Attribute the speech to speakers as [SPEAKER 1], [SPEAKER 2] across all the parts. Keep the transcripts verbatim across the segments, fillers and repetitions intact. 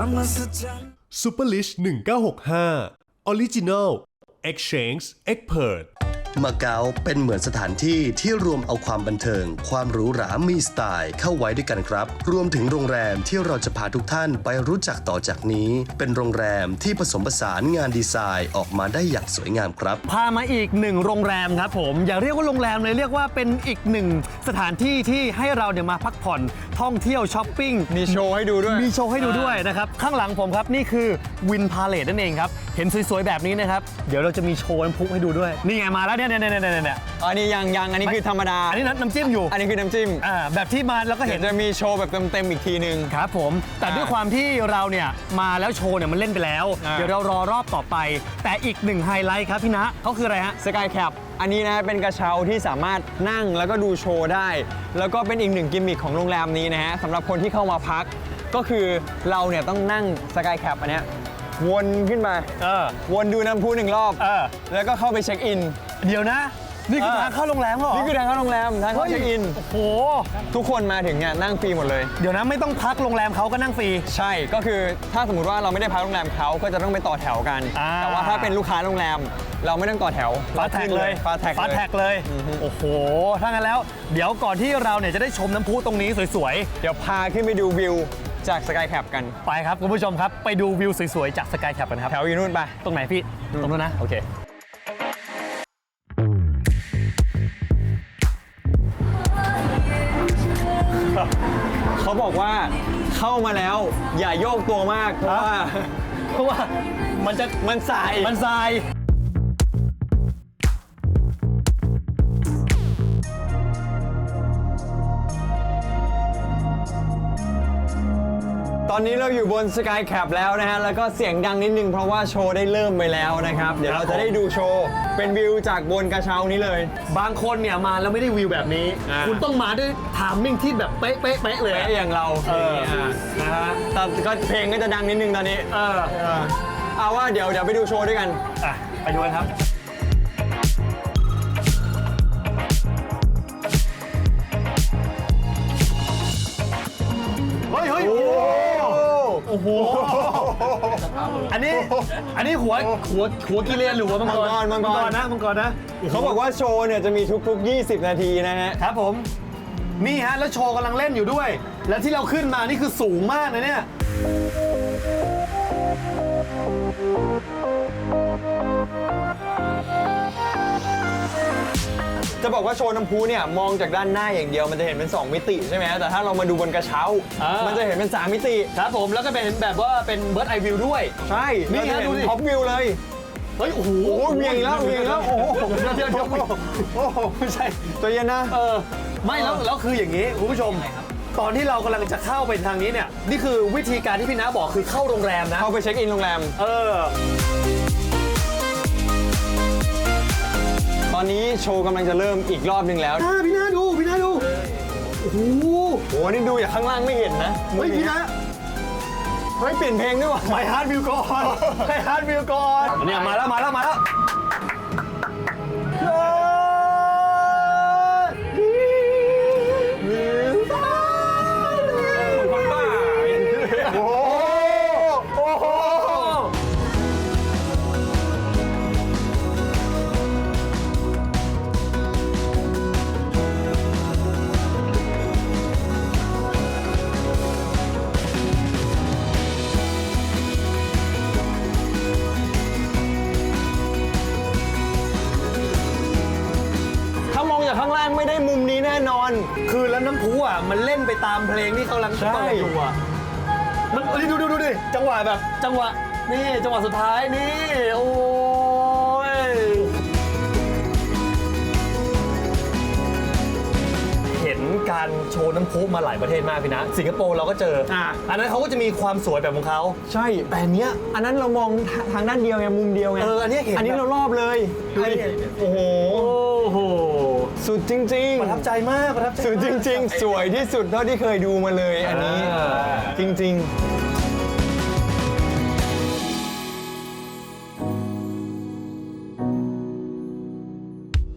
[SPEAKER 1] Super Lish หนึ่งเก้าหกห้า Original Exchange Expert
[SPEAKER 2] มาเก๊าเป็นเหมือนสถานที่ที่รวมเอาความบันเทิงความหรูหรามีสไตล์เข้าไว้ด้วยกันครับรวมถึงโรงแรมที่เราจะพาทุกท่านไปรู้จักต่อจากนี้เป็นโรงแรมที่ผสมผสานงานดีไซน์ออกมาได้อย่างสวยงามครับ
[SPEAKER 3] พามาอีกหนึ่งโรงแรมครับผมอย่าเรียกว่าโรงแรมเลยเรียกว่าเป็นอีกหนึ่งสถานที่ที่ให้เราเนี่ยมาพักผ่อนท่องเที่ยวช้อปปิ้ง
[SPEAKER 4] มีโชว์ให้ดูด้วย
[SPEAKER 3] มีโชว์ให้ดูด้วยนะครับข้างหลังผมครับนี่คือวินพาเลทนั่นเองครับเห็นสวยๆแบบนี้นะครับเดี๋ยวเราจะมีโชว์น้ำพุให้ดูด้วยนี่ไงมาแล้วเนี่ยเนี่ยเนี่ยเนี่ย
[SPEAKER 4] อันนี้ยังยังอันนี้คือธรรมดา
[SPEAKER 3] อันนี้น้ำจิ้มอยู่
[SPEAKER 4] อันนี้คือน้ำจิ้ม
[SPEAKER 3] อ่าแบบที่มาแล้วก็เห็น
[SPEAKER 4] จะมีโชว์แบบเต็มๆอีกทีนึง
[SPEAKER 3] ครับผมแต่ด้วยความที่เราเนี่ยมาแล้วโชว์เนี่ยมันเล่นไปแล้วเดี๋ยวเรารอรอบต่อไปแต่อีกหนึ่งไฮไลท์ครับพี่ณเขาคืออะไรฮะ
[SPEAKER 4] สกายแคปอันนี้นะเป็นกระเช้าที่สามารถนั่งแล้วก็ดูโชว์ได้แล้วก็เป็นอีกหนึ่งกิมมิคของโรงแรมนี้นะฮะสำหรับคนที่เข้ามาพักก็คือเราเนี่ยต้องนั่งสกายแคปอันเนี้ยวนขึ้นมา
[SPEAKER 3] เออ
[SPEAKER 4] วนดูน้ำพุหนึ่งรอบ
[SPEAKER 3] เออ
[SPEAKER 4] แล้วก็เข้าไปเช็คอิน
[SPEAKER 3] เดี๋ยวนะนี่คือทางเข้าโรงแรมเหรอ
[SPEAKER 4] นี่คือทางเข้าโรงแรมทางเข้าเช็คอิน
[SPEAKER 3] โอ้โห
[SPEAKER 4] ทุกคนมาถึงเนี่ยนั่งฟรีหมดเลย
[SPEAKER 3] เดี๋ยวนะไม่ต้องพักโรงแรมเขาก็นั่งฟรี
[SPEAKER 4] ใช่ก็คือถ้าสมมติว่าเราไม่ได้พักโรงแรมเขาก็จะต้องไปต่อแถวกันแต่ว่าถ้าเป็นลูกค้าโรงแรมเราไม่ต้องต่อแถว
[SPEAKER 3] ฟาแท็กเลย
[SPEAKER 4] ฟาแท็ก
[SPEAKER 3] ฟาแท็กเลยโอ้โหถ้างั้นแล้วเดี๋ยวก่อนที่เราเนี่ยจะได้ชมน้ำพุตรงนี้สวย
[SPEAKER 4] ๆเดี๋ยวพาขึ้นไปดูวิวจากสกายแคปกัน
[SPEAKER 3] ไปครับคุณผู้ชมครับไปดูวิวสวยๆจากสกายแคปกันครับ
[SPEAKER 4] แถวอยู่นู่นไป
[SPEAKER 3] ตรงไหนพี่ตรงนู้นนะโอเค
[SPEAKER 4] เขาบอกว่าเข้ามาแล้วอย่าโยกตัวมากเพราะว่า
[SPEAKER 3] เพราะว่ามันจะ
[SPEAKER 4] มันสาย
[SPEAKER 3] มันสาย
[SPEAKER 4] ตอนนี้เราอยู่บนสกายแคปแล้วนะฮะแล้วก็เสียงดังนิดนึงเพราะว่าโชว์ได้เริ่มไปแล้วนะครับเดี๋ยวเราจะได้ดูโชว์เป็นวิวจากบนกระเช้านี้เลย
[SPEAKER 3] บางคนเนี่ยมาแล้วไม่ได้วิวแบบนี้คุณต้องมาด้วยไทมิ่งที่แบบเป๊ะเป๊ะเป๊ะเลย
[SPEAKER 4] เป๊ะอย่างเรา
[SPEAKER 3] เออ
[SPEAKER 4] นะฮะแต่ก็เพลงก็จะดังนิดนึงตอนนี้
[SPEAKER 3] เออ
[SPEAKER 4] เอาว่าเดี๋ยวเดี๋ยวไปดูโชว์ด้วยกัน
[SPEAKER 3] อ่ะไปดูกันครับเฮ้ยเฮ้ยโอ้โหอันนี้อันนี้หัวหัวหัวกิเลนหรือหัวมังกร
[SPEAKER 4] มังกร
[SPEAKER 3] นะมังกรนะ
[SPEAKER 4] เขาบอกว่าโชว์เนี่ยจะมีทุกๆยี่สิบนาทีนะฮะ
[SPEAKER 3] ครับผมนี่ฮะแล้วโชว์กำลังเล่นอยู่ด้วยแล้วที่เราขึ้นมานี่คือสูงมากเลยเนี่ย
[SPEAKER 4] จะบอกว่าโชว์น้ำพุเนี่ยมองจากด้านหน้าอย่างเดียวมันจะเห็นเป็นสองมิติใช่ไหมแต่ถ้าเรามาดูบนกระเช้ามันจะเห็นเป็นสามมิติ
[SPEAKER 3] ครับผมแล้วก็เป็นแบบว่าเป็นเบิร์ดไอวิวด้วย
[SPEAKER 4] ใช่นี่ฮะดูท็อปวิวเลย
[SPEAKER 3] เฮ้ยโอ้โห
[SPEAKER 4] เวียงแล้วเวียงแล้วโอ้โห
[SPEAKER 3] เดี๋ยวเดี๋ยวโอ้โหไม่ใช่
[SPEAKER 4] ตัวเย็นนะ
[SPEAKER 3] เออไม่แล้วแล้วคืออย่างนี้คุณผู้ชมตอนที่เรากำลังจะเข้าไปทางนี้เนี่ยนี่คือวิธีการที่พี่น้าบอกคือเข้าโรงแรมนะ
[SPEAKER 4] เข้าไปเช็คอินโรงแรม
[SPEAKER 3] เออ
[SPEAKER 4] ตอนนี้โชว์กำลังจะเริ่มอีกรอบหนึ่งแล้ว
[SPEAKER 3] พี่น้าดูพี่น้าดูโอ้โห
[SPEAKER 4] โอ้นี่ดูจากข้างล่างไม่เห็นนะ
[SPEAKER 3] เฮ้ยพี่น้า
[SPEAKER 4] เฮ้ยเปลี่ยนเพลงด้วยว่ะ
[SPEAKER 3] My Heart Will Go On My Heart Will Go On เนี่ยมาแล้วมาแล้วมาแล้ว
[SPEAKER 4] ข้างล่างไม่ได้มุมนี้แน่นอน
[SPEAKER 3] คือแล้วน้ำพุอ่ะมันเล่นไปตามเพลงที่เขากำลังเปิดอยู่อ่ะมันดูดูดูดิจังหวะแบบจังหวะนี่จังหวะสุดท้ายนี่โอ้ยเห็นการโชว์น้ำพุมาหลายประเทศมากพี่นะสิงคโปร์เราก็เจออ่ะอันนั้นเขาก็จะมีความสวยแบบของเขา
[SPEAKER 4] ใช่แต่เนี้ยอันนั้นเรามองทางด้านเดียวไงมุมเดียวไง
[SPEAKER 3] เอออันนี้เห็น
[SPEAKER 4] อันนี้เรารอบเลยโอ้โห
[SPEAKER 3] โอ้โห
[SPEAKER 4] สุดจริงๆ
[SPEAKER 3] ประทับใจมากประทับใจ
[SPEAKER 4] สุดจริงๆสวยที่สุดเท่าที่เคยดูมาเลยอันนี้จริงๆ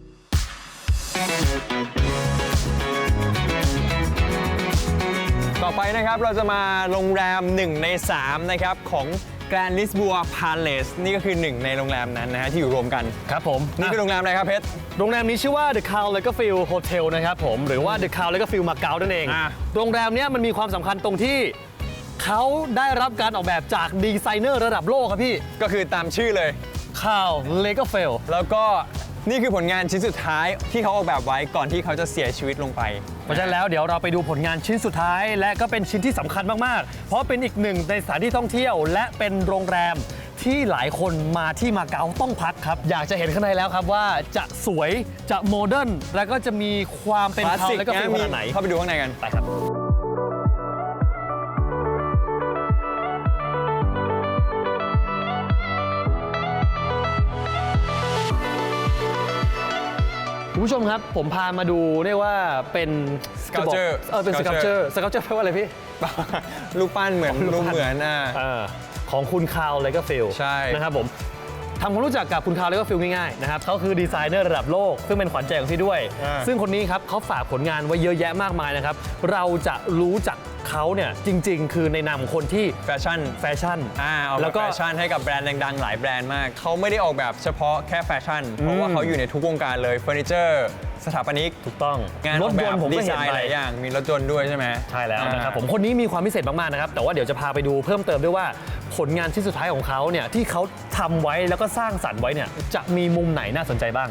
[SPEAKER 4] ต่อไปไปนะครับเราจะมาโรงแรมหนึ่งในสามนะครับของ Grand Lisboa Palace นี่ก็คือหนึ่งในโรงแรมนั้นนะฮะที่อยู่รวมกัน
[SPEAKER 3] ครับผม
[SPEAKER 4] นี่คือโรงแรมอะไรครับเพชร
[SPEAKER 3] โรงแรมนี้ชื่อว่า The Carl Lagerfeld Hotel นะครับผมหรือว่า The Carl Lagerfeld มาเก๊านั่นเอง
[SPEAKER 4] อ่ะ
[SPEAKER 3] โรงแรมเนี้ยมันมีความสำคัญตรงที่เขาได้รับการออกแบบจากดีไซเนอร์ระดับโลกครับพี่
[SPEAKER 4] ก็คือตามชื่อเลย
[SPEAKER 3] Carl Lagerfeld
[SPEAKER 4] แล้วก็นี่คือผลงานชิ้นสุดท้ายที่เขาออกแบบไว้ก่อนที่เขาจะเสียชีวิตลงไป
[SPEAKER 3] เพราะฉะนั้นแล้วเดี๋ยวเราไปดูผลงานชิ้นสุดท้าย และก็เป็นชิ้นที่สำคัญมากๆ เพราะเป็นอีกหนึ่งในสถานที่ท่องเที่ยว และเป็นโรงแรมที่หลายคนมาที่มาเก๊าต้องพักครับ อยากจะเห็นข้างในแล้วครับว่าจะสวยจะโมเดิร์นและก็จะมีความเป็น
[SPEAKER 4] คลาส
[SPEAKER 3] เขา
[SPEAKER 4] สิก
[SPEAKER 3] และก็เป็น
[SPEAKER 4] นะ
[SPEAKER 3] ข
[SPEAKER 4] มี
[SPEAKER 3] นาดไหน
[SPEAKER 4] เข้าไปดูข้างในกัน
[SPEAKER 3] ไปครับ คุณผู้ชมครับผมพามาดูเรียกว่าเป็น
[SPEAKER 4] Sculpture
[SPEAKER 3] เออเป็นส
[SPEAKER 4] Sculpture
[SPEAKER 3] เกลเจอร์สเกลเจอร์แปลว่าอะไรพี่
[SPEAKER 4] รูปปั้นเหมือนรูปเหมือนอ่า
[SPEAKER 3] เออของคุณคาร์ล เลเกอร์ฟิลด์
[SPEAKER 4] ใช่
[SPEAKER 3] นะครับผมทำความรู้จักกับคุณคาร์ล เลเกอร์ฟิลด์ง่ายๆนะครับเขาคือดีไซเนอร์ระดับโลก ซึ่งเป็นขวัญใจของพี่ด้วย
[SPEAKER 4] อ่า
[SPEAKER 3] ซึ่งคนนี้ครับเขาฝากผลงานไว้เยอะแยะมากมายนะครับ เราจะรู้จักเขาเนี่ยจริงๆ คือในนามของคนที่
[SPEAKER 4] แฟชั่น
[SPEAKER 3] แฟชั่น
[SPEAKER 4] อ่าออกแบ
[SPEAKER 3] แล้
[SPEAKER 4] บ
[SPEAKER 3] วก็
[SPEAKER 4] แฟชั่นให้กับแบรนด์ดังๆ หลายแบรนด์มาก เขาไม่ได้ออกแบบเฉพาะแค่แฟชั่น เพราะว่าเขาอยู่ในทุกวงการเลยเฟอร์นิเจอร์สถาปนิก
[SPEAKER 3] ถูกต้อง
[SPEAKER 4] งาน
[SPEAKER 3] ร
[SPEAKER 4] อ
[SPEAKER 3] ถ
[SPEAKER 4] อกแบ
[SPEAKER 3] ยน
[SPEAKER 4] บ
[SPEAKER 3] ต์ผม
[SPEAKER 4] ดี
[SPEAKER 3] ก็
[SPEAKER 4] ไซ
[SPEAKER 3] เห็น
[SPEAKER 4] น์
[SPEAKER 3] ไป
[SPEAKER 4] หลายอย่างมีรถยนต์ด้วยใช่ไหม
[SPEAKER 3] ใช่แล้วนะครับ
[SPEAKER 4] อ่า
[SPEAKER 3] ผมคนนี้มีความพิเศษมากๆนะครับแต่ว่าเดี๋ยวจะพาไปดูเพิ่มเติมด้วยว่าผลงานชิ้นสุดท้ายของเขาเนี่ยที่เขาทำไว้แล้วก็สร้างสรรค์ไว้เนี่ยจะมีมุมไหนน่าสนใจบ้าง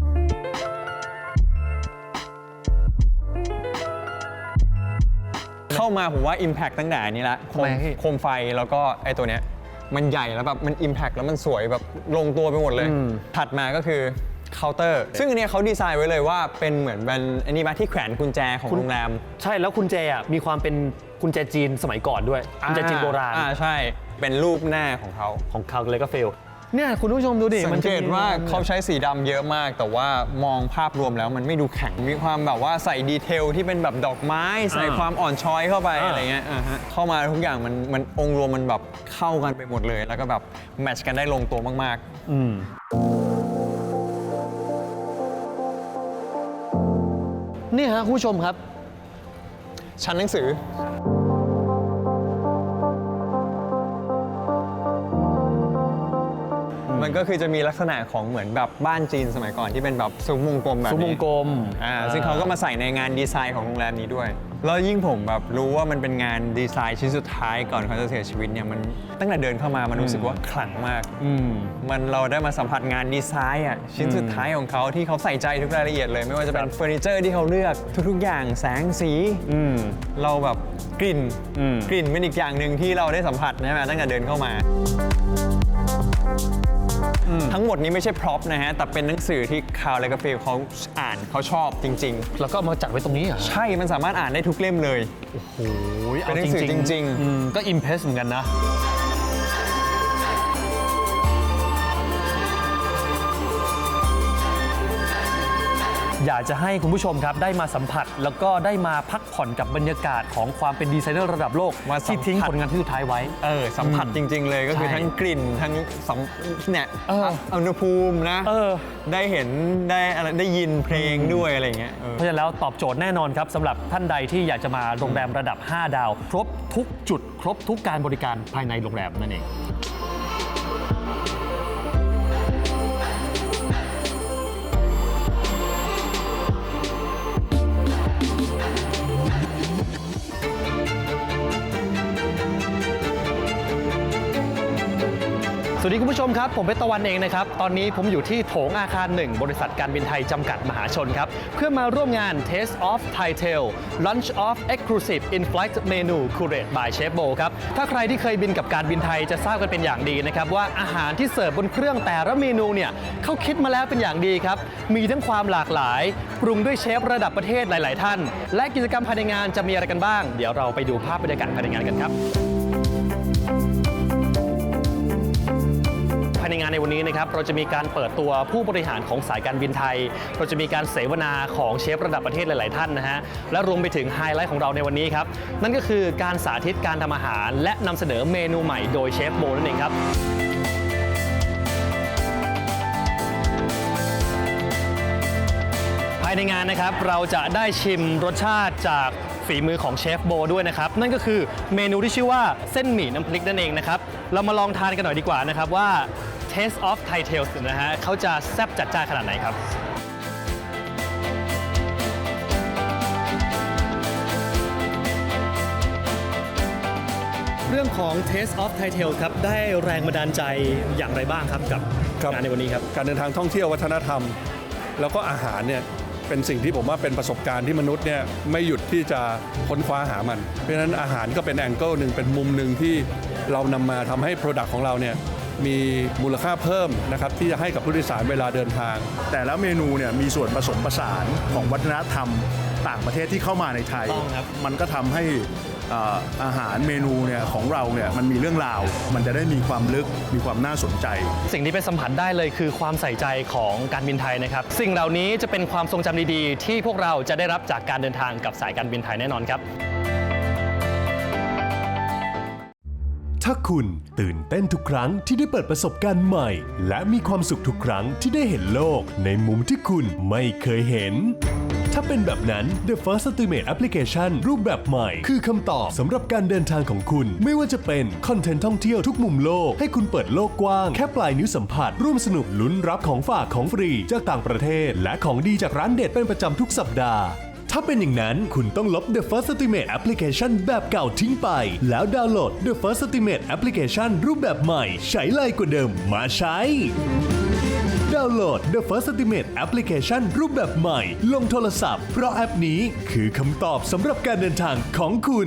[SPEAKER 4] เข้ามาผมว่า Impact ตั้งแต่นี้ละโค
[SPEAKER 3] ทำไม
[SPEAKER 4] ม
[SPEAKER 3] พี่
[SPEAKER 4] โคมไฟแล้วก็ไอ้ตัวเนี้ยมันใหญ่แล้วแบบมัน Impact แล้วมันสวยแบบลงตัวไปหมดเลย
[SPEAKER 3] อืม
[SPEAKER 4] ถัดมาก็คือเคาน์เตอร์ซึ่งอันเนี้ยเขาดีไซน์ไว้เลยว่าเป็นเหมือนเป็นอันนี้มาที่แขวนกุญแจของโรงแรม
[SPEAKER 3] ใช่แล้วกุญแจอ่ะมีความเป็นกุญแจจีนสมัยก่อนด้วยกุญแจจีนโบราณ
[SPEAKER 4] อ่าใช่เป็นรูปหน้าของเขา
[SPEAKER 3] ของคาร์ล เลเกอร์ฟิลด์เนี่ยคุณผู้ชมดูดิ
[SPEAKER 4] สั
[SPEAKER 3] มั
[SPEAKER 4] ง
[SPEAKER 3] น
[SPEAKER 4] เก
[SPEAKER 3] จะ
[SPEAKER 4] ต
[SPEAKER 3] มี
[SPEAKER 4] ว่าเขาใช้สีดำเยอะมาก แต่ว่ามองภาพรวมแล้วมันไม่ดูแข็งมีความแบบว่าใส่ดีเทลที่เป็นแบบดอกไม้ ใส่ความอ่อนช้อยเข้าไปอะไรเงี้ยอ่าฮะเข้ามาทุกอย่างมันมันองค์รวมมันแบบเข้ากันไปหมดเลย แล้วก็แบบแมทช์กันได้ลงตัวมาก
[SPEAKER 3] อืมนี่ฮะคุณผู้ชมครับ
[SPEAKER 4] ๆ ชั้นหนังสือ มันก็คือจะมีลักษณะของเหมือนแบบบ้านจีนสมัยก่อนที่เป็นแบบซุ้มวงกลมแบบ
[SPEAKER 3] ซุ้มว
[SPEAKER 4] นี้
[SPEAKER 3] งกลม
[SPEAKER 4] อ่าซึ่งเขาก็มาใส่ในงานดีไซน์ของโรงแรมนี้ด้วย แล้วยิ่งผมแบบรู้ว่ามันเป็นงานดีไซน์ชิ้นสุดท้ายก่อนเขาจะเสียชีวิตเนี่ยมันตั้งแต่เดินเข้ามามันรู้สึกว่าขลังมาก
[SPEAKER 3] อืม
[SPEAKER 4] มันเราได้มาสัมผัสงานดีไซน์อ่ะชิ้นสุดท้ายของเขาที่เขาใส่ใจทุกรายละเอียดเลย ไม่ว่าจะเป็นเฟอร์นิเจอร์ที่เขาเลือกทุกๆอย่างแสงสี
[SPEAKER 3] อืม
[SPEAKER 4] เราแบบกลิ่น
[SPEAKER 3] อืม
[SPEAKER 4] กลิ่นเป็นอีกอย่างหนึ่งที่เราได้สัมผัสใช่ไหมตั้งแต่เดินเข้ามาทั้งหมดนี้ไม่ใช่พร็อพนะฮะแต่เป็นหนังสือที่คาร์ล เลเกอร์ฟิลด์เขาอ่านเขาชอบจริง
[SPEAKER 3] แล้วก็เอามาจัดไว้ตรงนี้เหรอ
[SPEAKER 4] ๆ ใช่มันสามารถอ่านได้ทุกเล่มเลย
[SPEAKER 3] โอ้ย
[SPEAKER 4] เป็นหนังสือจริงๆ
[SPEAKER 3] อืมก็อิมเพรสเหมือนกันนะ อยากจะให้คุณผู้ชมครับได้มาสัมผัส แล้วก็ได้มาพักผ่อนกับบรรยากาศของความเป็นดีไซเนอร์ระดับโลก
[SPEAKER 4] มาสัมผัส
[SPEAKER 3] ที่ทิ้งผลงานที่สุดท้ายไว้
[SPEAKER 4] เออสัมผัสจริง ๆ เลยก็คือ
[SPEAKER 3] ใช่
[SPEAKER 4] ทั้งกลิ่นทั้งสัมเนี่ย
[SPEAKER 3] เออ
[SPEAKER 4] อุณหภูมินะ
[SPEAKER 3] เออ
[SPEAKER 4] ได้เห็นได้อะไรได้ยินเพลงด้วยอะไรเงี้ยเออ
[SPEAKER 3] เพราะฉะนั้นแล้วตอบโจทย์แน่นอนครับสำหรับท่านใดที่อยากจะมาโรงแรมระดับ ห้า ดาว ครบทุกจุด ครบทุกการบริการภายในโรงแรมนั่นเอง สวัสดีคุณผู้ชมครับ ผมเป็นตะวันเองนะครับ ตอนนี้ผมอยู่ที่โถงอาคารหนึ่งบริษัทการบินไทยจำกัดมหาชนครับ เพื่อมาร่วมงาน Taste of Thai Tail Lunch of Exclusive In-Flight Menu Curated by Chef Bo ครับ ถ้าใครที่เคยบินกับการบินไทยจะทราบกันเป็นอย่างดีนะครับ ว่าอาหารที่เสิร์ฟบนเครื่องแต่ละเมนูเนี่ยเขาคิดมาแล้วเป็นอย่างดีครับ มีทั้งความหลากหลาย ปรุงด้วยเชฟระดับประเทศหลาย ๆ ท่าน และกิจกรรมภายในงานจะมีอะไรกันบ้าง เดี๋ยวเราไปดูภาพบรรยากาศภายในงานกันครับ ภายในงานในวันนี้นะครับเราจะมีการเปิดตัวผู้บริหารของสายการบินไทย เราจะมีการเสวนาของเชฟระดับประเทศหลาย ๆ ท่านนะฮะและรวมไปถึงไฮไลท์ของเราในวันนี้ครับนั่นก็คือการสาธิตการทำอาหาร และนำเสนอเมนูใหม่โดยเชฟโบนั่นเองครับภายในในงานนะครับเราจะได้ชิมรสชาติจากฝีมือของเชฟโบด้วยนะครับนั่นก็คือเมนูที่ชื่อว่าเส้นหมี่น้ำพริกนั่นเองนะครับเรามาลองทานกันหน่อยดีกว่านะครับว่า Taste of Thai Tales นะฮะเขาจะแซ่บจัดจ้านขนาดไหนครับเรื่องของ Taste of Thai Tales ครับได้แรงบันดาลใจอย่างไรบ้างครับกับงานในวันนี้ครับ
[SPEAKER 5] การเดินทางท่องเที่ยววัฒนธรรม แล้วก็อาหารเนี่ยเป็นสิ่งที่ผมว่าเป็นประสบการณ์ที่มนุษย์เนี่ยไม่หยุดที่จะค้นคว้าหามัน เพราะฉะนั้นอาหารก็เป็นแองเกิลหนึ่งเป็นมุมหนึ่งที่เรานำมาทำให้ Product ของเราเนี่ยมีมูลค่าเพิ่มนะครับที่จะให้กับผู้โดยสารเวลาเดินทาง
[SPEAKER 6] แต่ละเมนูเนี่ยมีส่วนผสมผสานของวัฒนธรรมต่างประเทศที่เข้ามาในไทย
[SPEAKER 3] ต้องครับ
[SPEAKER 6] มันก็ทำให้เอ่ออาหารเมนูเนี่ยของเราเนี่ยมันมีเรื่องราว มันจะได้มีความลึกมีความน่าสนใจ
[SPEAKER 3] สิ่งที่ไปสัมผัสได้เลยคือความใส่ใจของการบินไทยนะครับสิ่งเหล่านี้จะเป็นความทรงจำดีๆที่พวกเราจะได้รับจากการเดินทางกับสายการบินไทยแน่นอนครับ
[SPEAKER 1] ถ้าคุณตื่นเต้นทุกครั้งที่ได้เปิดประสบการณ์ใหม่ และมีความสุขทุกครั้งที่ได้เห็นโลกในมุมที่คุณไม่เคยเห็น ถ้าเป็นแบบนั้น The First Estimate Application รูปแบบใหม่ คือคำตอบสำหรับการเดินทางของคุณ ไม่ว่าจะเป็นคอนเทนต์ท่องเที่ยวทุกมุมโลกให้คุณเปิดโลกกว้าง แค่ปลายนิ้วสัมผัส ร่วมสนุกลุ้นรับของฝากของฟรีจากต่างประเทศ และของดีจากร้านเด็ดเป็นประจำทุกสัปดาห์ ถ้าเป็นอย่างนั้นคุณต้องลบ The First Estimate Application แบบเก่าทิ้งไป แล้วดาวน์โหลด The First Estimate Application รูปแบบใหม่ใช้ไลกว่าเดิมมาใช้ ดาวน์โหลด The First Estimate Application รูปแบบใหม่ลงโทรศัพท์เพราะแอปนี้คือคำตอบสำหรับการเดินทางของคุณ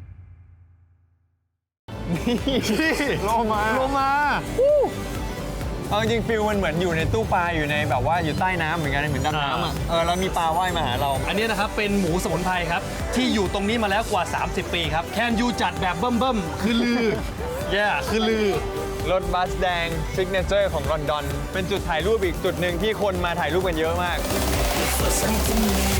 [SPEAKER 4] โลมา
[SPEAKER 3] โลมา
[SPEAKER 4] เอาจริงๆฟิลมันเหมือนอยู่ในตู้ปลาอยู่ในแบบว่าอยู่ใต้น้ำเหมือนกันเหมือนดำน้ำอ่ะเออแล้วมีปลาว่ายมาหาเรา
[SPEAKER 3] อันนี้นะครับเป็นหมูสมุนไพรครับที่อยู่ตรงนี้มาแล้วกว่า สามสิบ ปีครับแคนยูจัดแบบเบิ่มๆคือลือ แย่คือลือ
[SPEAKER 4] รถบัสแดงซิกเนเจอร์ของลอนดอนเป็นจุดถ่ายรูปอีกจุดหนึ่งที่คนมาถ่ายรูปกันเยอะมาก
[SPEAKER 7] For something new